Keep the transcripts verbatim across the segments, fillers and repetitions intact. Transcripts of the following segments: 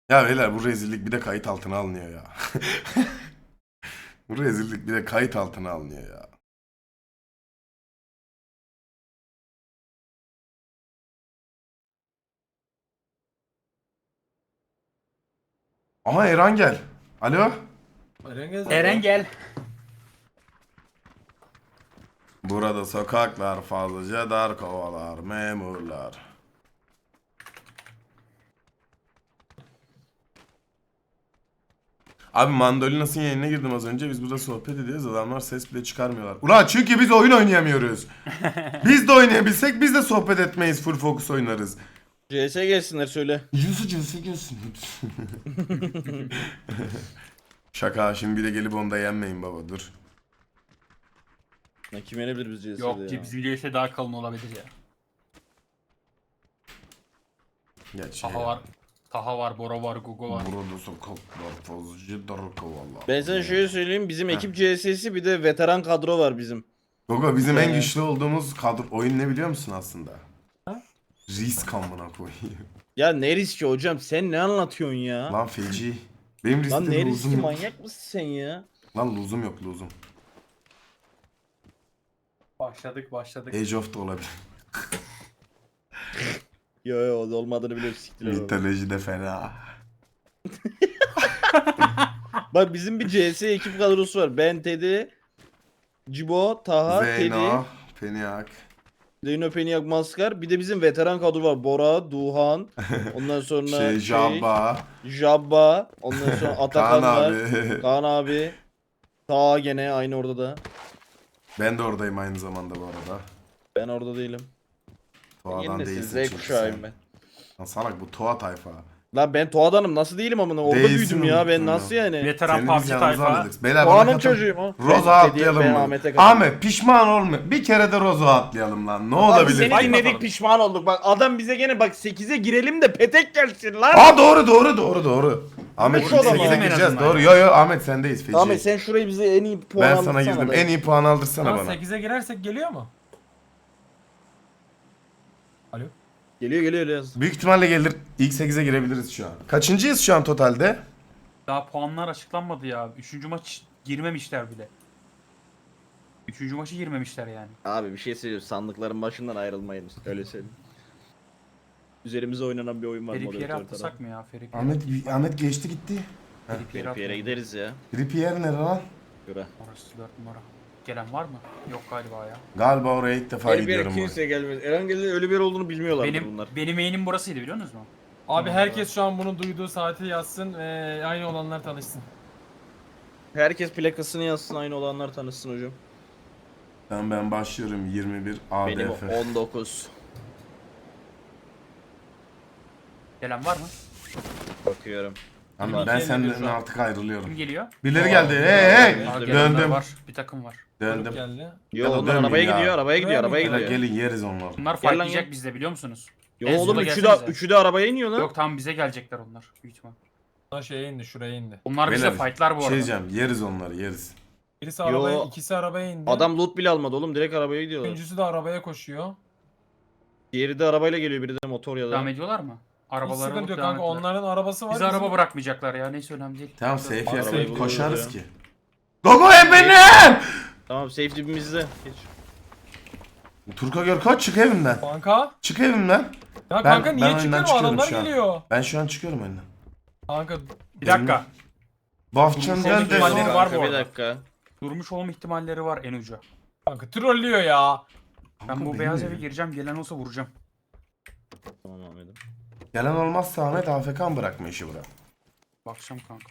Ya beyler bu rezillik bir de kayıt altına alınıyor ya. Bu rezillik bir de kayıt altına alınıyor ya. Aha Eren gel. Alo. Eren gel. Burada sokaklar fazlaca dar, kovalar memurlar. Abi Mandolinas'ın yayınına girdim az önce. Biz burada sohbet ediyoruz. Adamlar ses bile çıkarmıyorlar. Ulan çünkü biz oyun oynayamıyoruz. Biz de oynayabilsek biz de sohbet etmeyiz. Full focus oynarız. C S gelsinler söyle. Yusuf Yusuf gelsin. Şaka, şimdi bir de gelip onda yenmeyin baba, dur. Ne kim yenebilir biz C S'de Yok ya? bizim C S daha kalın olabilir ya. Geç şey. Taha var. Taha var, Bora var, Gugu var. Burada sokaklar fazlaca dar, kovalar. Ben sana şöyle söyleyeyim, bizim ekip C S'si bir de veteran kadro var bizim. Gogo, bizim en Ee. güçlü olduğumuz kadro oyun ne biliyor musun aslında? Risk amına koyayım. Ya ne riski hocam, sen ne anlatıyorsun ya? Lan feci. Benim Lan riskte ne riski, luzum yok. manyak mısın sen ya? Lan luzum yok, luzum. Başladık başladık. Age of da olabilir. Yo yo o da olmadığını biliyorum, siktiler onu. Mitoloji de fena. Bak bizim bir C S ekip kadrosu var. Ben, Teddy, Cibo, Taha, Teddy, Zeyno, Peniak. Zeyno, Peniak, Maskar. Bir de bizim veteran kadro var. Bora, Duhan. Ondan sonra Şey, şey, Jabba. Jabba. Ondan sonra Atakan Kaan var. abi. Kaan abi. Taha gene aynı orada da. Ben de oradayım aynı zamanda bu arada. Ben orada değilim. Toa'dan Yeni nesil değilsin Z çünkü kuşağıyım sen. ben. Lan salak, bu Toa tayfa. Lan ben Toğa'danım, nasıl değilim amına, orada Değilsin, büyüdüm ya, ben unuttum nasıl ya. yani? Veteran Seni P U B biz G yanımıza tayfa. aldık. Beyler Toğa'nın bana katıl. çocuğuyum o. Roza Ben atlayalım Teddy'ye, ben mı? Ahmet'e katılıyorum. Ahmet pişman olma. Bir kere de Roza atlayalım lan. Ne Abi olabilir? seni Hadi dinledik, bakalım. pişman olduk. Bak adam bize gene bak sekize girelim de petek gelsin lan. Aa doğru doğru doğru doğru. Ahmet Şu adamı. sekize En gireceğiz. azından. Doğru. Yo yo Ahmet sendeyiz feci. Ahmet sen şurayı bize en iyi puan Ben aldırsana sana girdim. be. En iyi puan aldırsana Lan bana. sekize girersek geliyor mu? Alo? Geliyor geliyor yaz. Büyük ihtimalle gelir. İlk sekize girebiliriz şu an. Kaçıncıyız şu an totalde? Daha puanlar açıklanmadı ya. Üçüncü maç girmemişler bile. Üçüncü maçı girmemişler yani. Abi bir şey söyleyeyim, sandıkların başından ayrılmayın, öyle söyleyeyim. Üzerimize oynanan bir oyun var. Ferik yere moderatör atlasak tarafı. mı ya? Ferik Ahmet Ahmet geçti gitti. Ferik yere Bir yere atlasak. gideriz ya. Ripier nere lan? Göre. Orası dört numara. Gelen var mı? Yok galiba ya. Galiba oraya ilk defa Her bir yere gidiyorum. ben. kimse gelmez. Erangel'de öyle bir yer olduğunu bilmiyorlardır Benim bunlar. benim yayınım burasıydı biliyor musunuz mu? Abi Tamam, herkes şu an bunu duyduğu saati yazsın ve aynı olanlar tanışsın. Herkes plakasını yazsın, aynı olanlar tanışsın hocam. Tamam ben başlıyorum yirmi bir A Benim D F. on dokuz. Gelen var mı? Bakıyorum. Tamam, Yirmi ben iki senden elli bir şu an. artık ayrılıyorum. Kim geliyor? Birileri Aa, geldi. aa, Hey hey. Aa, Döndüm. gelenler Döndüm. var. Bir takım var. Döndüm. Geldi. Yo Ya da onlar dönmeyin arabaya ya. gidiyor, arabaya gidiyor, Buraya mı arabaya gidiyor? gidiyor. Gelin yeriz onları. Bunlar Gel lan fightlayacak gel. bizde biliyor musunuz? Yo En oğlum sonunda üçü de, gelsenize. üçü de arabaya iniyor lan. Yok tamam bize gelecekler onlar. Büyük ihtimal. Lan şeye indi, şuraya indi. Onlar bize Beyler, fightlar bu Şey arada. diyeceğim, yeriz onları yeriz. Birisi Yo. arabaya, ikisi arabaya indi. Adam loot bile almadı oğlum, direkt arabaya gidiyorlar. Üçüncüsü de arabaya koşuyor. Diğeri de arabayla geliyor, biri de motor ya Devam da. ediyorlar mı? Hiç Arabaları sıkıntı alıp yok devam kanka, ettiler. onların arabası var. Bizi bizim- araba bırakmayacaklar ya neyse önemli değil. Tamam safe Arabayı yapıp buluyoruz koşarız ya. ki. Gogo em benim! Tamam, safe dibimizde. Geç. Turka gör kaç, çık evimden. Kanka. Çık evimden. Ya Ben- kanka ben niye oyundan çıkıyor, o çıkıyorum adamlar şu an. geliyor. Ben şu an çıkıyorum önden. Kanka Bir dakika. Bafçan Durmuş gel olma ihtimalleri de. var bu Bir arada. dakika. Durmuş olma ihtimalleri var en ucu. kanka trollüyor ya. Ben bu beyaz eve gireceğim gelen olsa vuracağım. Tamam Ahmet'im. Gelen olmazsa Ahmet A F K mı bırakma işi bırak. Bakacağım kanka.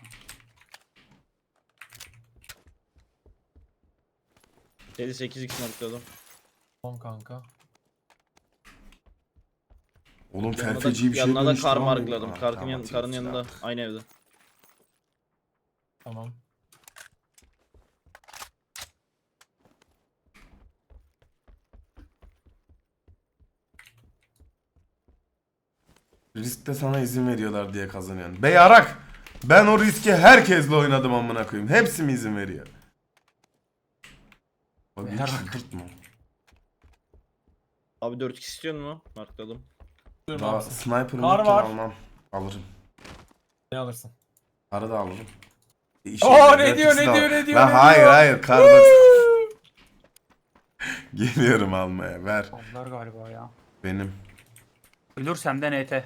Dedi sekiz x markladım. Tamam kanka. Oğlum Yanına da, felfeci bir şey yanına da dönüştü kar lan bu. markladım. Ha, Karın, tamam, yan, atayım karın silahı. yanında. Aynı evde. Tamam. Riskte sana izin veriyorlar diye kazanıyorsun. Bey Arak! Ben o riski herkesle oynadım amına koyayım. Hepsi mi izin veriyor? Bak Bey hiç Arak. çıldırtma. Abi dört x istiyor mu? Markladım. Dur Daha abi. sniper'ım Kar yokken var. almam. Alırım. Ne alırsın? Karı da alırım. Oo, ne diyor, ne diyor, ne diyor, Lan ne hayır diyor? hayır kar box. Geliyorum almaya ver. Aldılar galiba ya. Benim. Ölürsem de N T.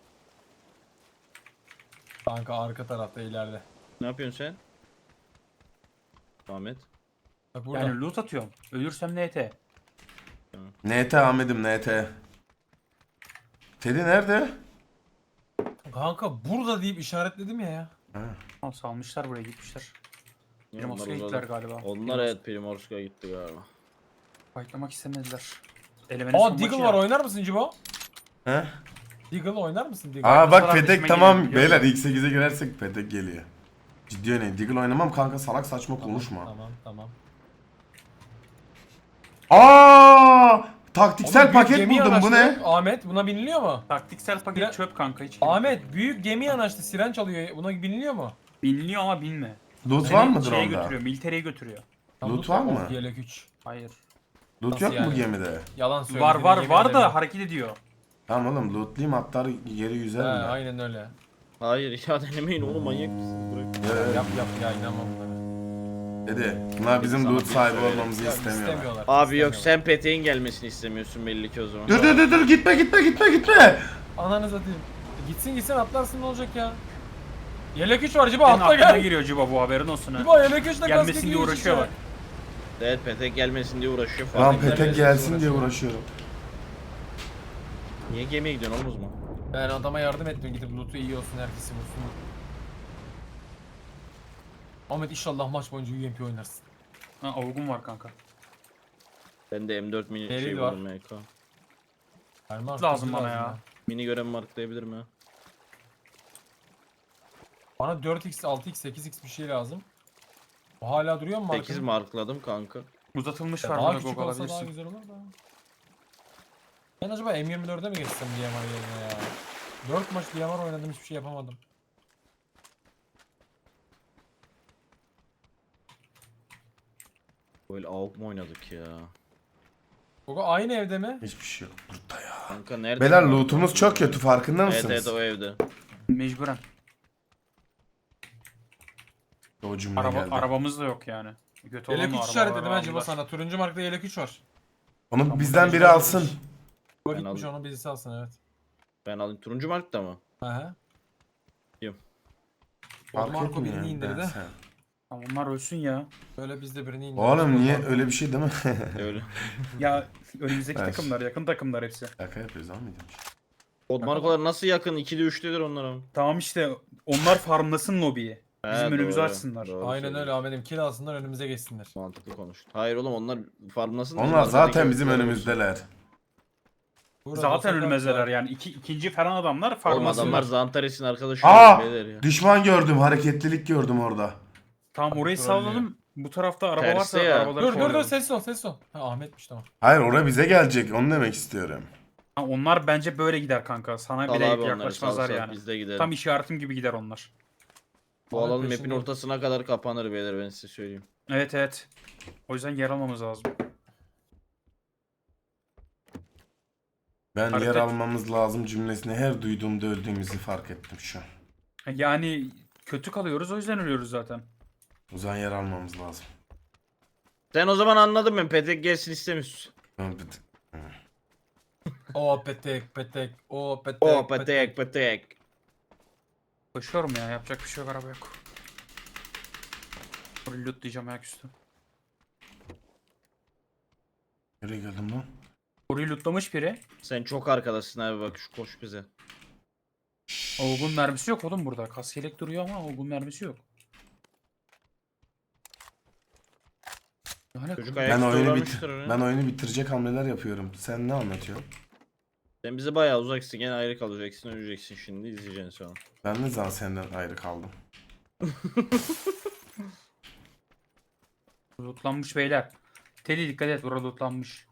Kanka arka tarafta ileride. Ne yapıyorsun sen? Ahmet. Bak burada. Yani loot atıyorum. Ölürsem N T. N T Ahmet'im N T. Teddy nerede? Kanka burada deyip işaretledim ya ya. Ha. Tamam salmışlar buraya gitmişler. Benim Onlar Oscar'a uzadı. gittiler galiba. Onlar evet Primorsk'a gitti galiba. Fightlamak istemediler. Elemenin Aa son Deagle maçı var, ya. oynar mısın Cibo? He? Deagle oynar mısın Deagle? Aa bak Fotoğraf Petek resme tamam geliyor, beyler biliyorum. ilk sekize girersek Petek geliyor. Ciddi öyle. Deagle oynamam kanka salak saçma Tamam, konuşma. Tamam tamam. Aa! Taktiksel Oğlum, büyük paket gemi buldum bu ne? yanaştı. Ahmet buna biniliyor mu? Taktiksel paket Bira- çöp kanka hiç gerek yok. Ahmet büyük gemi yanaştı, siren çalıyor. Buna biniliyor mu? Biniliyor ama binme. Loot Seni var mıdır şeye onda? götürüyor, militereye götürüyor. Loot var mı? Yelek üç. Hayır. Loot Nasıl yok mu yani? gemide? Yalan söyledi. Var var yemin var ederim. da hareket ediyor. Tamam oğlum lootlayayım atlar geri He, yüzerim ben. aynen öyle. Hayır ya denemeyin oğlum manyak mısın? Bırak. Ya, Yap yap ya, inanmam bunlara. Dedi. Bunlar bizim Sana loot bir sahibi söyle. olmamızı Ya, istemiyorlar. istemiyorlar. Abi yok istemiyorlar. sen Petek'in gelmesini istemiyorsun belli ki o zaman. Dur dur dur dur gitme gitme gitme gitme. Ananı satayım. Gitsin gitsin atlarsın, ne olacak ya? Yelek üç var Cibo, Senin atla aklına gel. giriyor Ciba bu haberin olsun ha. Cibo yelek üçle Gelmesin diye uğraşıyor bak. Evet Petek gelmesin diye uğraşıyor falan. Lan Petek Petek gelmesin gelsin diye uğraşıyorum. uğraşıyorum. Niye gemiye gidiyorsun oğlum o zaman? Ben adama yardım ettim, gidip loot'u iyi olsun, herkesin olsun. Ahmet inşallah maç boyunca U M P oynarsın. Ha avgun var kanka. Bende M dört mini Delil şey var. var M K. Erman, Lazım hızlı bana ya. Mini görev marklayabilirim ya. Bana dört x, altı x, sekiz x bir şey lazım. O hala duruyor mu sekiz markanın? markladım kanka. Uzatılmış Ya var daha burada küçük Gog olsa daha alabilirsin. güzel olur da. Ben acaba M yirmi dörde mi geçsem D M R yerine ya? dört maç D M R oynadım, hiçbir şey yapamadım. Böyle A W P mu oynadık ya? Gogo aynı evde mi? Hiçbir şey yok burada ya. Kanka nerede? Beyler lootumuz çok kötü farkında Evet mısınız? evet o evde. Mecburen. O cümle Araba, geldi. arabamız da yok yani. Kötü olan Yelek o üç arabaları işaretledim ha Cibo aldılar. sana. Turuncu markta yelek üç var. Onu bizden biri alsın. Bu Ben gitmiş, aldım. onu birisi alsın, evet. Ben alayım. Turuncu markta mı? Aha. Yok. Fark Marco birini etmiyor. indirdi. Ben sen. Ha, onlar ölsün ya. Böyle biz de birini indirdik. Oğlum niye öyle bir şey değil mi? Öyle. Ya önümüzdeki Ben- takımlar, yakın takımlar hepsi. Şaka yapıyoruz almayacağım. Kod markalar nasıl yakın? ikide üçtedir onlar ama. Tamam işte onlar farmlasın lobiyi. Bizim He, önümüzü doğru. açsınlar. Doğru Aynen söylüyorsun. öyle Ahmet'im, kill alsınlar, önümüze geçsinler. Mantıklı konuştun. Hayır oğlum onlar farmlasın. Onlar zaten bizim önümüzdeler. Burada Zaten sokak önümüzdeler var. yani. İki, ikinci falan adamlar Oğlum farmlasınlar. adamlar Zantares'in arkadaşı. Aa! beyler ya. Düşman gördüm, hareketlilik gördüm orada. Tamam orayı Trollüyor. salladım. Bu tarafta araba Tersi varsa ya. arabaları Dur dur dur, kovalayalım. ses ol ses ol. Ha Ahmet'miş, tamam. Hayır oraya bize gelecek onu demek istiyorum. Ha, onlar bence böyle gider kanka. Sana Sal bile abi onları sal yaklaşmazlar sal yani. biz de gidelim. Tam işaretim gibi gider onlar. Bu Ahmet alanın map'in peşinde. ortasına kadar kapanır beyler ben size söyleyeyim. Evet evet. O yüzden yer almamız lazım. Ben Hareket- yer almamız lazım cümlesini her duyduğumda öldüğümüzü fark ettim şu an. Yani kötü kalıyoruz o yüzden ölüyoruz zaten. O zaman yer almamız lazım. Sen o zaman anladın mı? Petek gelsin istemiyorsun. O petek petek, o petek O Petek Petek. Koşuyorum ya yapacak bir şey yok, araba yok. Burayı lootlayacağım ayaküstü. Nereye geldim lan? Burayı lootlamış biri. Sen çok arkadasın abi bak şu koş bize. Olgun mermisi yok oğlum burada. Kas yelek duruyor ama olgun mermisi yok. Yani Çocuk Ben ayaküstü oyunu, bit uğramıştır oraya. ben oyunu bitirecek hamleler yapıyorum. Sen ne anlatıyorsun? Sen bize bayağı uzaksın gene ayrı kalacaksın öleceksin şimdi izleyeceksin sonra. Ben ne zaman senden ayrı kaldım? lootlanmış beyler. Teddy dikkat et, burada lootlanmış.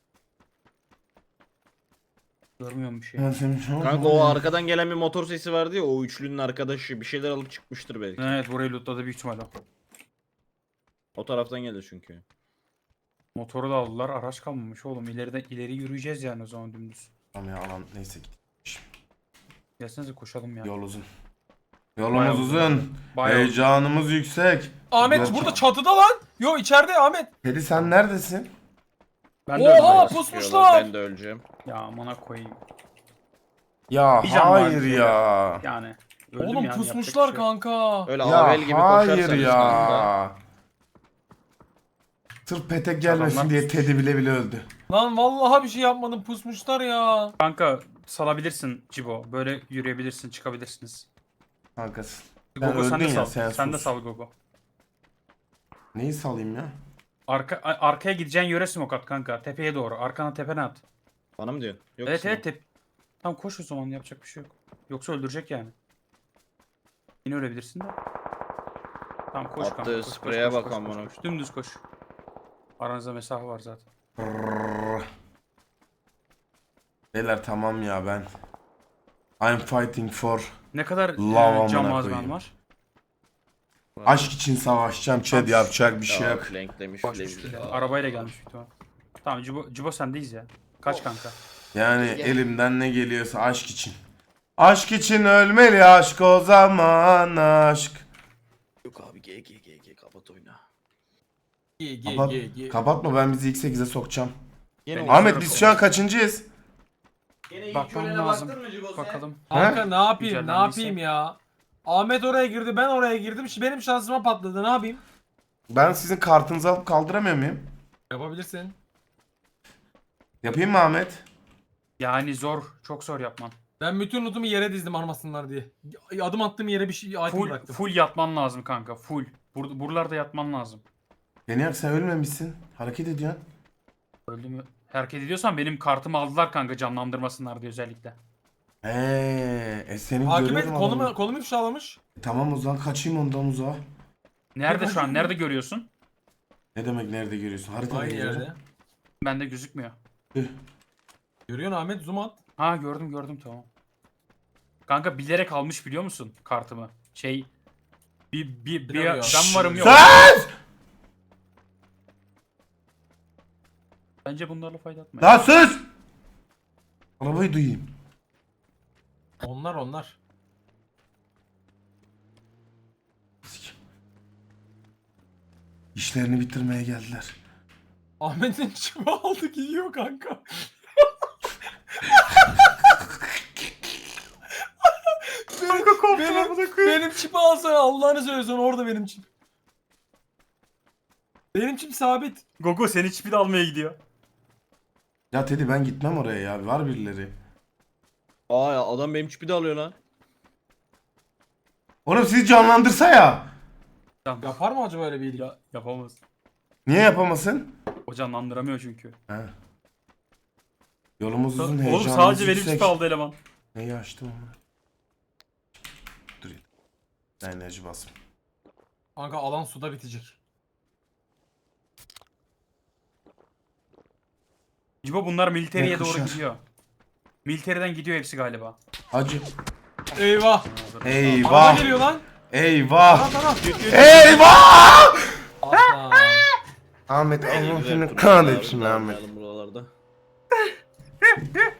Görmüyorum bir şey. Kanka o arkadan gelen bir motor sesi vardı ya o üçlünün arkadaşı bir şeyler alıp çıkmıştır belki. Evet burayı lootladı büyük ihtimalle. O taraftan geldi çünkü. Motoru da aldılar, araç kalmamış oğlum. İleride ileri yürüyeceğiz yani o zaman dümdüz. Tamam ya alan neyse git. Gelsenize koşalım ya. Yol uzun. Yolumuz Bayağı uzun. Bayağı Heyecanımız yüksek. Ahmet Gerçi- burada çatıda lan. Yo içeride Ahmet. Teddy sen neredesin? Ben de öldüm. Oha abi. pusmuşlar. Ben de öleceğim. Ya amına koyayım. Ya Bir can var hayır bir ya. Yani. Öldüm Oğlum yani, yapacak pusmuşlar bir şey yok. kanka. Öyle Ya avel gibi hayır koşarsanız kanka. ya. Sırf petek gelmesin Adamlar diye pusmuş. Teddy bile bile öldü. Lan vallahi bir şey yapmadım pusmuşlar ya. Kanka salabilirsin Cibo. Böyle yürüyebilirsin, çıkabilirsiniz. Kankası. Sen Gogo sen de öldün ya, sal. sen Sen, de sus. sal Gogo. Neyi salayım ya? Arka a- arkaya gideceğin yöre smoke at kanka. Tepeye doğru. Arkana tepene at. Bana mı diyorsun? Yok evet musun? evet tep. Tamam koş o zaman, yapacak bir şey yok. Yoksa öldürecek yani. Yine ölebilirsin de. Tamam koş Attığı kanka. Koş, koş, spreye koş, bak koş, amına. koş, koş. Dümdüz koş. Aranızda mesafe var zaten. Brrr. Beyler tamam ya ben. I'm fighting for. Ne kadar Lava e, cam amına malzemen koyayım. var? Aşk için savaşacağım Chad, yapacak bir şey Ya, yok. flanklemiş Boş flanklemiş. bir şey. Arabayla gelmiş büyük ihtimal. Tamam Cibo, Cibo sendeyiz ya. Kaç kanka? Yani elimden ne geliyorsa aşk için. Aşk için ölmeli aşk o zaman aşk. Yok abi G G G G kapat oyna. Ge ge Kapat, ge ge. kapatma ben bizi ilk sekize sokacağım. Yine Ben- oyna. Ahmet biz şu an kaçıncıyız? Bakmam lazım. Bakalım. Kanka ne yapayım ne Güzellendiyse. yapayım ya. Ahmet oraya girdi ben oraya girdim. Şimdi benim şansıma patladı ne yapayım? Ben sizin kartınızı alıp kaldıramıyor muyum? Yapabilirsin. Yapayım mı Ahmet? Yani zor. Çok zor yapman. Ben bütün lootumu yere dizdim armasınlar diye. Adım attığım yere bir şey item Full, bıraktım. full yatman lazım kanka. Full. Bur buralarda yatman lazım. Deniyak sen ölmemişsin. Hareket ediyorsun. Öldü mü? Hareket ediyorsan benim kartımı aldılar kanka, canlandırmasınlar diye özellikle. Eee, e senin Takip et görüyorum kolumu, adamı. kolumu ifşalamış. Tamam o zaman kaçayım ondan uzağa. Nerede şu an? Nerede görüyorsun? Ne demek nerede görüyorsun? Haritada Aynı görüyorum. yerde. Bende gözükmüyor. Tüh. Görüyorsun Ahmet zoom at. Ha gördüm gördüm tamam. Kanka bilerek almış biliyor musun kartımı? Şey bir bir bir Bilemiyorum. ben varım yok. Sus! Bence bunlarla fayda etme. Lan sus! Arabayı duyayım. Onlar onlar. İşlerini bitirmeye geldiler. Ahmet'in çivi aldı gidiyor kanka. benim, benim, benim çipi alsana Allah'ını söylüyorsun orada benim çip. Benim çip sabit. Gogo seni çipi de almaya gidiyor. Ya Teddy ben gitmem oraya ya. Var birileri. Aa ya adam benim çipi de alıyor lan. Oğlum sizi canlandırsa ya. Tamam. Yapar mı acaba öyle bir iyilik? Ya, yapamaz. Niye yapamasın? O canlandıramıyor çünkü. He. Yolumuz uzun, Oğlum heyecanımız sadece benim yüksek. çipi aldı eleman. Neyi açtım ama? Dur. Ben enerji basım. Kanka alan suda bitecek. Cibo bunlar militereye Ne doğru kuşar. gidiyor. Militeriden gidiyor hepsi galiba. Hacı. Eyvah. Dur. Araba Eyvah. geliyor lan. Eyvah. Taraf taraf. Eyvah! Aslan. Ahmet Allah Güzel seni turnuvalar kahretsin abi, Ahmet. dağılmayalım buralarda.